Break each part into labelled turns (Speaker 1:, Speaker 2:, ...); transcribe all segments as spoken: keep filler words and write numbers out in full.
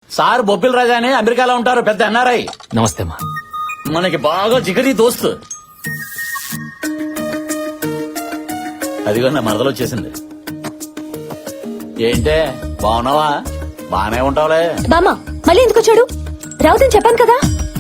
Speaker 1: Sir బొబ్బిల్ రాజా అని అమెరికాలో ఉంటారు, పెద్ద ఎన్ఆర్ఐ.
Speaker 2: నమస్తే మా.
Speaker 1: మనకి బాగా జిగరి దోస్తు. అదిగో నా మరదలు వచ్చేసింది. ఏంటే బాగున్నావా? బానే ఉంటావులే.
Speaker 3: బామ్మ మళ్ళీ ఎందుకు వచ్చాడు? రావుదని చెప్పాను కదా.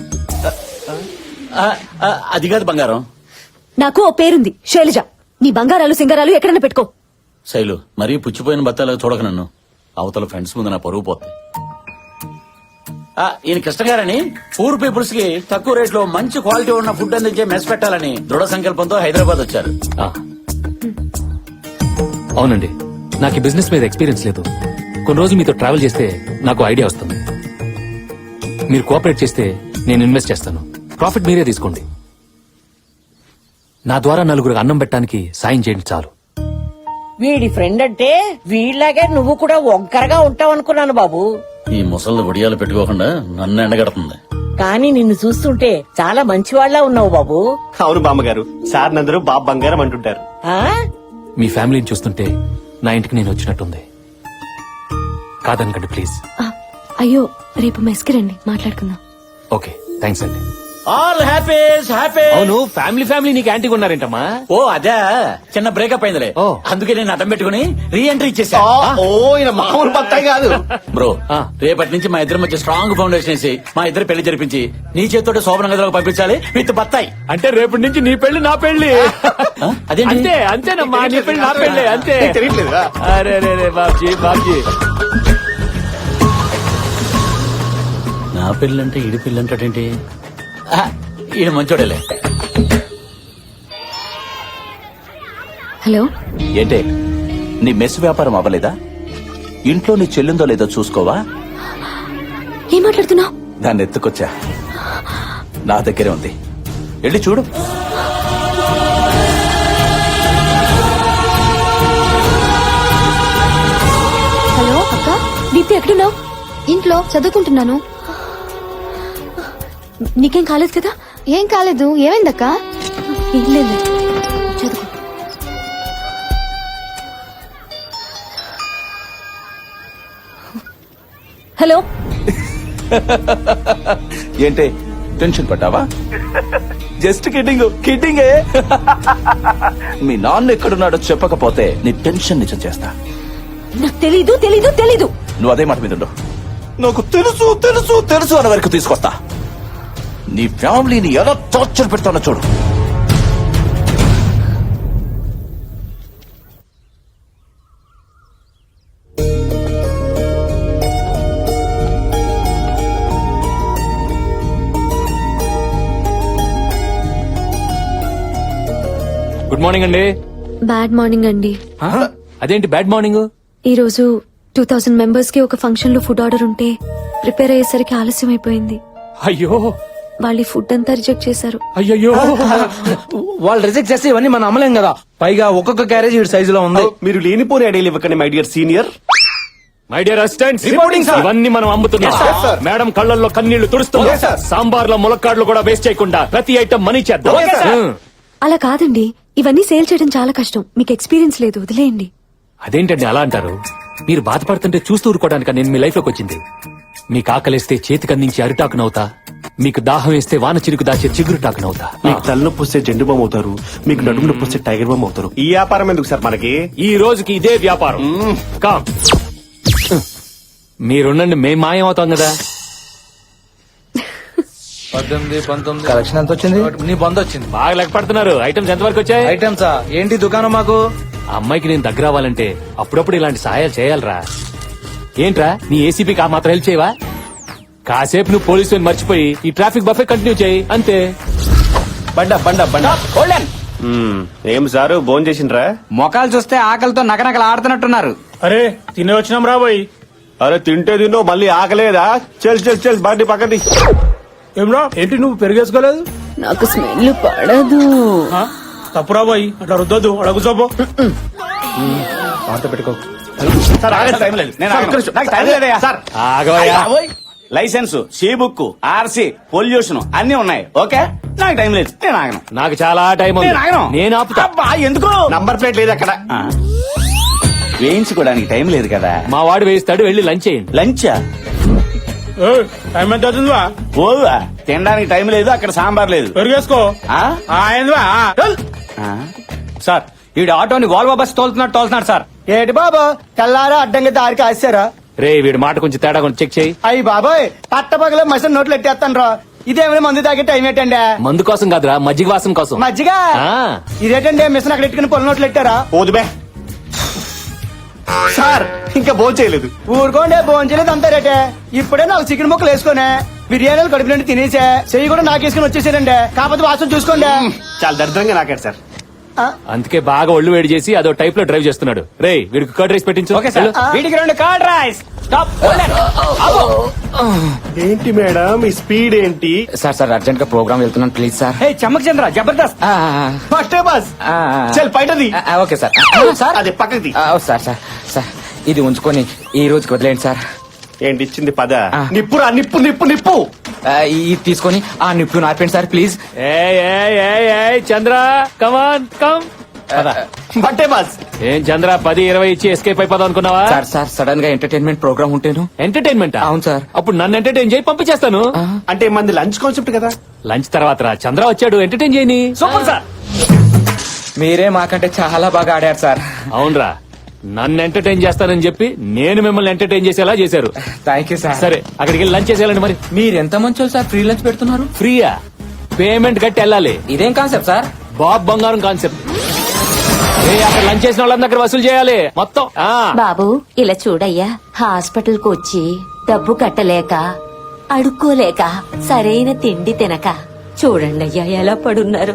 Speaker 1: ఆ, ఆ, అది కాదు బంగారం.
Speaker 3: నాకు ఓ పేరుంది, శైలజ. నీ బంగారాలు సింగారాలు ఎక్కడన్నా పెట్టుకో.
Speaker 1: శైలు మరీ పుచ్చిపోయిన బత్తాలు చూడక నన్ను. అవతల ఫ్రెండ్స్ ముందు నా పరుగు పోతుంది. ఆ, ఈయన కృష్ణ గారని పూర్ పీపుల్స్ కి తక్కువ రేట్ లో మంచి క్వాలిటీ ఉన్న ఫుడ్ అందించే మెస్ పెట్టాలని దృఢ సంకల్పంతో హైదరాబాద్ వచ్చారు.
Speaker 2: ఆ. అవునండి, నాకు ఈ బిజినెస్ మీద ఎక్స్పీరియన్స్ లేదు. కొన్ని రోజులు మీతో ట్రావెల్ చేస్తే నాకు ఐడియా వస్తుంది. మీరు కోఆపరేట్ చేస్తే నేను ఇన్వెస్ట్ చేస్తాను. ప్రాఫిట్ మీరే తీసుకోండి. నా ద్వారా నలుగురు అన్నం పెట్టడానికి సాయం చేయండి చాలు.
Speaker 4: వీడి ఫ్రెండ్ అంటే వీళ్ళలాగే నువ్వు కూడా ఒంకరగా ఉంటావు అనుకున్నాను బాబు.
Speaker 1: ఈ ముసళ్ళు ఒడియాలు పెట్టుకోకుండా నన్ను ఎండగడుతుంది.
Speaker 4: కానీ నిన్ను చూస్తుంటే చాలా మంచివాళ్లా ఉన్నావు బాబు.
Speaker 5: అవును బామ్మగారు, సార్ నందరూ బాబు బంగారం అంటుంటారు.
Speaker 4: ఆ
Speaker 2: మీ ఫ్యామిలీని చూస్తుంటే నా ఇంటికి నేను వచ్చినట్టుంది. కాదనకండి ప్లీజ్.
Speaker 3: ఆ, అయ్యో రేపు మెస్కి రండి, మాట్లాడుకుందాం.
Speaker 2: ఓకే, థ్యాంక్స్ అండి.
Speaker 1: All happies happy.
Speaker 2: అవును, ఫ్యామిలీ ఫ్యామిలీ నీకు యాంటీగా ఉన్నారేంటమ్మా?
Speaker 1: ఓ అదే, చిన్న బ్రేకప్ అయిందిలే.
Speaker 2: ఓ.
Speaker 1: అందుకే నేను అడ్డం పెట్టుకుని రీ ఎంట్రీ ఇచ్చేసా.
Speaker 5: ఓ ఈయన మామూలు బత్తాయి కాదు
Speaker 1: బ్రో.
Speaker 2: ఆ.
Speaker 1: రేపటి నుంచి మా ఇద్దరి మధ్య స్ట్రాంగ్ ఫౌండేషన్ వేసి మా ఇద్దరు పెళ్లి జరిపించి నీ చేతితో శోభన గదిలోకి పంపించాలి విత్ బత్తాయి.
Speaker 2: అంటే రేపటి నుంచి నీ పెళ్లి నా పెళ్లి.
Speaker 1: ఆ? అదేంటి?
Speaker 2: అంతే అంతేనమ్మా, నీ పెళ్లి నా పెళ్లి అంతే.
Speaker 5: తెలియట్లేదా?
Speaker 2: అరే రే రే బాబ్జీ బాబ్జీ.
Speaker 1: నా పెళ్ళంటే ఈడి పెళ్ళి అంటాడేంటి? ఆ, ఈడు మంచోడేలే.
Speaker 3: హలో.
Speaker 6: ఏంటే నీ మెస్ వ్యాపారం అవ్వలేదా? ఇంట్లో నీ చెల్లిందో లేదో చూసుకోవా?
Speaker 3: ఏం మాట్లాడుతున్నావు?
Speaker 6: దాన్ని ఎత్తుకొచ్చా, నా దగ్గరే ఉంది, వెళ్ళి చూడు.
Speaker 3: హలో అక్క, దీప్తి ఎక్కడున్నావు?
Speaker 7: ఇంట్లో చదువుకుంటున్నాను.
Speaker 3: నీకేం కాలేదు కదా?
Speaker 7: ఏం కాలేదు. ఏమైందక్క?
Speaker 3: ఏం లేదు, చదువు. హలో.
Speaker 6: ఏంటే టెన్షన్ పడ్డావా? Just kidding కిడ్డింగే. మీ నాన్న ఎక్కడున్నాడో చెప్పకపోతే నీ టెన్షన్ నిజం చేస్తా.
Speaker 3: నాకు తెలీదు తెలీదు తెలీదు.
Speaker 6: నువ్వు అదే మాట మీద ఉండు. నాకు తెలుసు తెలుసు తెలుసు అన్న వరకు తీసుకొస్తా. నీ ఫ్యామిలీని ఎలా టార్చర్ పెడతానో చూడు.
Speaker 2: గుడ్ మార్నింగ్ అండి.
Speaker 3: బ్యాడ్ మార్నింగ్ అండి.
Speaker 2: అదేంటి బ్యాడ్ మార్నింగ్?
Speaker 3: ఈ రోజు టూ థౌసండ్ మెంబర్స్ కి ఒక ఫంక్షన్ లో ఫుడ్ ఆర్డర్ ఉంటే ప్రిపేర్ అయ్యేసరికి ఆలస్యం అయిపోయింది.
Speaker 2: అయ్యో
Speaker 3: వాళ్ళు ఈ ఫుడ్ అంతా రిజెక్ట్ చేశారు.
Speaker 2: అయ్యో.
Speaker 8: వాళ్ళు రిజెక్ట్ చేస్తే ఇవన్నీ మనం అమ్మలేం కదా. పైగా ఒక్కొక్క క్యారేజ్ ఈ సైజులో ఉంది.
Speaker 5: మీరు లేనిపోని ఐడియాలు ఇవ్వకండి my dear senior.
Speaker 2: My dear assistants,
Speaker 5: Reporting, sir.
Speaker 2: ఇవన్నీ మనం అమ్ముతున్నాం.
Speaker 5: Yes, sir.
Speaker 2: మేడం కళ్ళల్లో కన్నీళ్లు తుడుస్తున్నాం.
Speaker 5: Yes, sir.
Speaker 2: సాంబార్ లో ములక్కాడ్లు కూడా వేస్ట్ చేయకుండా ప్రతి ఐటమ్ మనీ చేద్దాం.
Speaker 5: Okay, sir.
Speaker 2: హ్మ్.
Speaker 3: అలా కాదండి, ఇవన్నీ సేల్ చేయడం చాలా కష్టం. మీకు ఎక్స్పీరియన్స్ లేదు, వదిలేయండి.
Speaker 2: అదేంటండి అలా అంటారు? మీరు బాధపడుతుంటే చూస్తూ ఊరుకోవడానికి నేను మీ లైఫ్ లోకి వచ్చింది. మీకు ఆకలిస్తే చేతికి అందించి అరిటాకునవుతా, మీకు దాహం వేస్తే వాన చిరుకు దాచే చిగురుటాకునవుతా.
Speaker 5: మీకు తలనొప్పి వస్తే జెండు బామ్ అవుతారు, మీకు నడుము నొప్పి వస్తే టైగర్ బామ్ అవుతారు. ఈ వ్యాపారం ఎందుకు సార్ మనకి?
Speaker 2: ఈ రోజుకి ఇదే వ్యాపారం. కామ్ మీరుండండి, మేం మాయం అవుతాం కదా.
Speaker 8: పద్దెనిమిది పంతొమ్మిది కలెక్షన్ ఎంత వచ్చింది? నీ బంద్ వచ్చింది.
Speaker 2: బాగా లెక్క పడుతున్నారు. ఐటమ్స్ ఎంత వరకు వచ్చాయి?
Speaker 8: ఐటమ్సా ఏంటి దుకాణం మాకు?
Speaker 2: ఆ అమ్మాయికి నేను దగ్గర అవ్వాలంటే అప్పుడప్పుడు ఇలాంటి సహాయాలు చేయాలరా. ఏంట్రా నీ ఏసీపీకి ఆ మాత్రం హెల్ప్ చేయవా? కాసేపు నువ్వు పోలీసు మర్చిపోయి ఈ ట్రాఫిక్ బఫే కంటిన్యూ చేయి అంతే.
Speaker 8: బండ బండ బండ
Speaker 5: మ్మ్. ఏం సారు భోజనం చేసిండ్రా?
Speaker 8: మొఖాలు చూస్తే ఆకలితో నకనకలు ఆడుతున్నట్టున్నారు.
Speaker 9: అరే తినే వచ్చినాం రాబోయ్.
Speaker 5: అరే తింటే తిన్నో మళ్ళీ ఆకలేదా? చెల్ చెల్ చెల్ బండి పక్కది.
Speaker 9: ఏమ్రా ఏంటి నువ్వు పెరిగేసుకోలేదు?
Speaker 3: నాకు స్మెల్ పడదు.
Speaker 9: తప్పు రాబోయ్, అట్లా రుద్దొద్దు. అక్కడ కూర్చోపో.
Speaker 8: మాట పెట్టుకో.
Speaker 5: సార్ ఆగండి, టైం లేదు. నేను ఆగను. నాకు టైం లేదయ్యా. సార్
Speaker 2: ఆగవయ్యా.
Speaker 6: License, C book, RC, pollution అన్ని ఉన్నాయి. ఓకే, నాకు టైం లేదు, నేను ఆగను.
Speaker 2: నాకు చాలా టైం ఉంది.
Speaker 6: నేను ఆగను.
Speaker 2: నేను ఆపుతా.
Speaker 6: అబ్బా, ఎందుకు?
Speaker 5: నంబర్ ప్లేట్ లేదు అక్కడ.
Speaker 6: ఆ, వేయించుకోవడానికి టైం లేదు కదా.
Speaker 2: మా వాడు వేయిస్తాడు, వెళ్ళి లంచ్ చేయండి.
Speaker 6: లంచా?
Speaker 9: ఏయ్, టైం ఎంత అవుతుందివా
Speaker 1: పోదువా తినడానికి టైం లేదు అక్కడ సాంబార్ లేదు
Speaker 9: పెరిగేసుకో
Speaker 1: ఆ?
Speaker 9: ఆ, ఏందివా ఆ, చల్.
Speaker 1: ఆ?
Speaker 8: సార్ ఈ ఆటోని వాల్వో బస్ తోలుతున్నాడు తోలుతున్నాడు సార్.
Speaker 10: ఏటి బాబా తెల్లారా అడ్డంగా దారి కాశారా?
Speaker 2: రే వీడి మాట కొంచెం తేడా కొంచెం చెక్ చేయి.
Speaker 10: అయ్యి బాబాయ్ పట్టపగల మసిన నోట్లు ఎట్టేస్తాను రా. ఇదేమైనా మందు తాగే టైం ఏంటండి?
Speaker 2: మందు కోసం కాదురా మజ్జిగ వాసం కోసం.
Speaker 10: మజ్జిగ
Speaker 2: ఆ.
Speaker 10: ఇదేటండి మిషన్ అక్కడ ఎట్టుకుని పొల నోట్లు ఎట్టారా?
Speaker 5: పోదు బే సార్ ఇంకా భోజనం చేయలేదు.
Speaker 10: ఊరుకోండి భోంచలేదు అంతా రేటే. ఇప్పుడే నాకు చికెన్ ముక్కలు వేసుకునే బిర్యానీలు కడుపు నుండి తినేసే చెయ్యి కూడా నాకేసుకుని వచ్చేసారండి. కాకపోతే వాసన చూసుకోండి.
Speaker 5: చాలా దరిద్రంగా నాకాడు సార్.
Speaker 10: ఆ,
Speaker 2: అందుకే బాగా ఒళ్ళు వేడి చేసి అదో టైప్ లో డ్రైవ్ చేస్తున్నాడు. రే వీడికి కర్డ్ రైస్ పెట్టించు.
Speaker 8: Okay sir.
Speaker 2: వెళ్ళు.
Speaker 8: వీడికి రెండు కార్డ్ రైస్. స్టాప్.
Speaker 5: ఏంటి మేడం ఈ స్పీడ్ ఏంటి?
Speaker 8: సార్ సార్ అర్జెంట్ గా ప్రోగ్రామ్ వెళ్తున్నాను please sir. Hey Chammak Chandra Jabardasth.
Speaker 5: First bus చల్ బయటది.
Speaker 8: Okay sir. సార్
Speaker 5: అదే పక్కది.
Speaker 8: సార్ సార్ సార్ ఇది ఉంచుకొని ఈ రోజుకి వదిలేండి సార్.
Speaker 5: ఏంటి ఇచ్చింది పద.
Speaker 8: ఆ.
Speaker 5: నిప్పురా నిప్పు నిప్పు నిప్పు.
Speaker 8: ఆ, ఇది తీసుకొని ఆ నిప్పు నార్పండి సార్ ప్లీజ్.
Speaker 2: ఏయ్, ఏయ్, ఏయ్, ఏయ్, చంద్ర కమాన్ కమ్.
Speaker 5: బట్టే బస్.
Speaker 2: ఏం చంద్ర పది ఇరవై ఇచ్చి ఎస్కేప్ అయిపోదాం అనుకున్నావా?
Speaker 8: సార్ సార్ సడన్ గా ఎంటర్టైన్మెంట్ ప్రోగ్రామ్ ఉంటేను.
Speaker 2: ఎంటర్టైన్మెంట్
Speaker 8: అవును సార్.
Speaker 2: అప్పుడు నన్ను ఎంటర్టైన్ చేయి పంపించేస్తాను.
Speaker 5: అంటే మంది లంచ్ కాన్సెప్ట్ కదా.
Speaker 2: లంచ్ తర్వాత రా చంద్ర వచ్చాడు ఎంటర్టైన్ చేయని.
Speaker 8: Super sir. మీరే మాకంటే చాలా బాగా ఆడారు సార్.
Speaker 2: అవునరా నన్ను ఎంటర్టైన్ చేస్తానని చెప్పి నేను మిమ్మల్ని ఎంటర్టైన్ చేసేలా చేశారు.
Speaker 8: Thank you sir.
Speaker 2: సరే అక్కడికి వెళ్ళి లంచ్ చేసేయాలండి. మరి
Speaker 8: మీరు ఎంత మంచో సార్ ఫ్రీ లంచ్ పెడుతున్నారు.
Speaker 2: ఫ్రీయా? పేమెంట్ కట్టి వెళ్ళాలి.
Speaker 8: ఇదేం కాన్సెప్ట్ సార్?
Speaker 2: బాబ్ బంగారం కాన్సెప్ట్. ఏ, అక్కడ లంచ్ చేసిన వాళ్ళందరి దగ్గర వసూలు చేయాలి మొత్తం. ఆ
Speaker 11: బాబు ఇలా చూడయ్యా, హాస్పిటల్ కు వచ్చి డబ్బు కట్టలేక అడుక్కోలేక సరైన తిండి తినక చూడండి అయ్యా ఎలా పడున్నారు.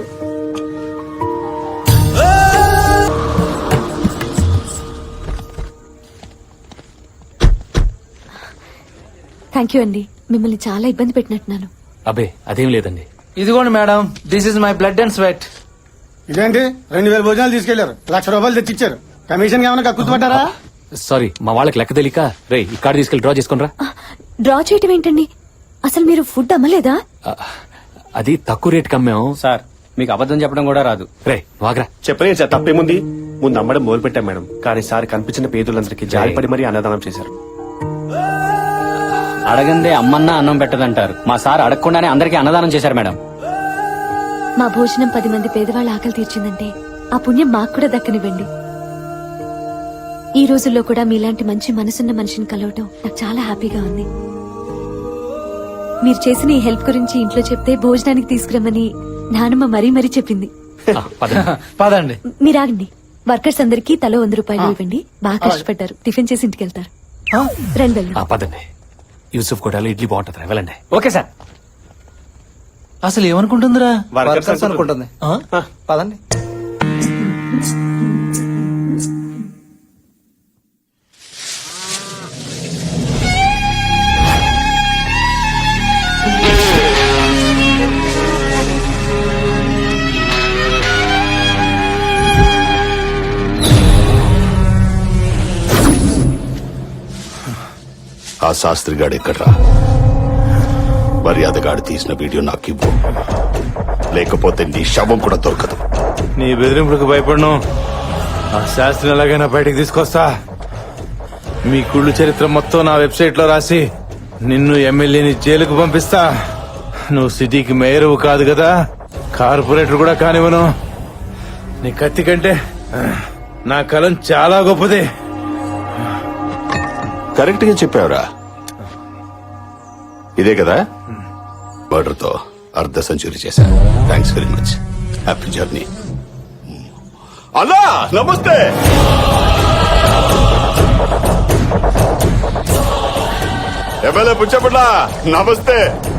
Speaker 3: థ్యాంక్ యూ అండి, మిమ్మల్ని చాలా ఇబ్బంది పెట్టినట్టున్నాను.
Speaker 2: అబే అదేం లేదండి.
Speaker 8: ఇదిగోండి madam, this is my blood and sweat.
Speaker 10: ఇదేంటి రెండు వేల భోజనాలు తీసుకెళ్లారు, లక్ష రూపాయలు తెచ్చిచ్చారు. కమిషన్ ఏమైనా కక్కుతుపట్టారా?
Speaker 2: సారీ మా వాళ్ళకి లెక్క తెలియక. రే ఈ కార్డు తీసుకెళ్లి డ్రా చేసుకుని రా.
Speaker 3: డ్రా చేయటం ఏంటండి? అసలు మీరు ఫుడ్ అమ్మలేదా?
Speaker 2: అది తక్కువ రేట్ కమ్మాం
Speaker 8: సార్ మీకు అబద్ధం చెప్పడం కూడా రాదు.
Speaker 2: రే వాగ్రా.
Speaker 5: చెప్పలేదు సార్ తప్పేముంది. ముందు అమ్మడం మొదలు పెట్టాం మేడం. కానీ సార్ కనిపించిన పేదలందరికీ జాలిపడి మరీ అన్నదానం చేశారు.
Speaker 8: అడగందే అమ్మన్నా అన్నం పెట్టదంటారు. మా సార్ అడగకుండానే అందరికీ అన్నదానం చేశారు మేడం.
Speaker 3: మా భోజనం పది మంది పేదవాళ్ళ ఆకలి తీర్చిందంటే ఆ పుణ్యం మాకు కూడా దక్కనివ్వండి. ఈ రోజుల్లో కూడా మీలాంటి మంచి మనసున్న మనిషిని కలవటం నాకు చాలా హ్యాపీగా ఉంది. మీరు చేసిన ఈ హెల్ప్ గురించి ఇంట్లో చెప్తే భోజనానికి తీసుకురమ్మని నానమ్మ మరీ మరీ చెప్పింది.
Speaker 2: ఆ, పదండి.
Speaker 8: పదండి.
Speaker 3: మీరు ఆగండి. వర్కర్స్ అందరికీ తలో వంద రూపాయలు ఇవ్వండి. బాగా కష్టపడ్డారు. టిఫిన్ చేసి ఇంటికి వెళ్తారు. రండి వెళ్దాం.
Speaker 2: ఆ, పదండి. యూసుఫ్ కోటలో ఇడ్లీ బాగుంటుంది వెళ్ళండి.
Speaker 8: Okay sir. అసలు ఏమనుకుంటుందిరా?
Speaker 5: వర్కర్స్
Speaker 8: అనుకుంటుంది. పదండి.
Speaker 12: ఆ శాస్త్రిగాడు ఎక్కడ్రా? మర్యాదగాడు తీసిన వీడియో నాకు ఇవ్వు, లేకపోతే నీ శవం కూడా దొరకదు.
Speaker 9: నీ బెదిరింపులకు భయపడను. ఆ శాస్త్రం ఎలాగైనా బయటకు తీసుకొస్తా. మీ కుళ్ళు చరిత్ర మొత్తం నా వెబ్సైట్ లో రాసి నిన్ను ఎమ్మెల్యేని జైలుకు పంపిస్తా. నువ్వు సిటీకి మేయరు కాదు కదా, కార్పొరేటర్ కూడా కానివ్వను. నీ కత్తి కంటే నా కలం చాలా గొప్పది.
Speaker 12: కరెక్ట్ గా చెప్పావురా. ఇదే కదా మర్డర్ తో అర్ధ సెంచరీ చేశాను. Thanks very much. Happy journey. అన్నా నమస్తే. ఎమ్మెల్యే పుచ్చపట్ల నమస్తే.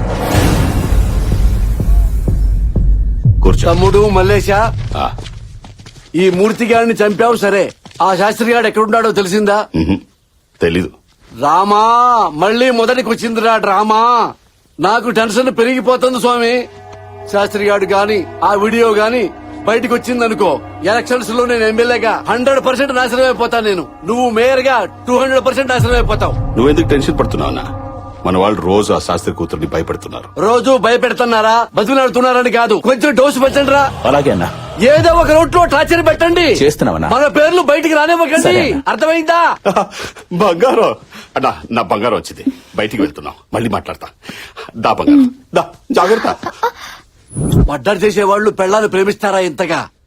Speaker 12: కూర్చో.
Speaker 10: తమ్ముడు మల్లేశ,
Speaker 12: ఆ,
Speaker 10: ఈ మూర్తి గారిని చంపావు సరే, ఆ శాస్త్రి గారు ఎక్కడున్నాడో తెలిసిందా?
Speaker 12: మ్హూ. తెలీదు.
Speaker 10: రామా మళ్ళీ మొదటికి వచ్చిందిరా డ్రామా. నాకు టెన్షన్ పెరిగిపోతుంది స్వామి. శాస్త్రి గారు గాని ఆ వీడియో గాని బయటకు వచ్చిందనుకో, ఎలక్షన్స్ లో నేను ఎమ్మెల్యేగా హండ్రెడ్ పర్సెంట్ నాశనం అయిపోతాను. నేను నువ్వు మేయర్ గా టూ హండ్రెడ్ పర్సెంట్ నాశనం అయిపోతావు.
Speaker 12: నువ్వెందుకు టెన్షన్ పడుతున్నావునా? మన వాళ్ళు రోజు ఆ శాస్త్రి కూతుర్ని భయపెడుతున్నారు.
Speaker 10: రోజు భయపెడుతున్నారా బతిలాడుతున్నారని కాదు, కొంచెం డోసు పెట్టండి రా.
Speaker 1: అలాగే అన్నా.
Speaker 10: ఏదో ఒక రూట్ లో టార్చర్ పెట్టండి.
Speaker 1: చేస్తున్నామన్నా.
Speaker 10: మన పేర్లు బయటికి రానివ్వకండి.
Speaker 1: సరే అన్న.
Speaker 10: అర్థమైందా?
Speaker 12: బంగారం అన్నా, నా బంగారం వచ్చింది. బయటికి వెళ్తున్నాం, మళ్ళీ మాట్లాడతా. దా బంగారం దా, జాగ్రత్త.
Speaker 10: మర్డర్ చేసే వాళ్ళు పెళ్ళాలు ప్రేమిస్తారా ఇంతగా?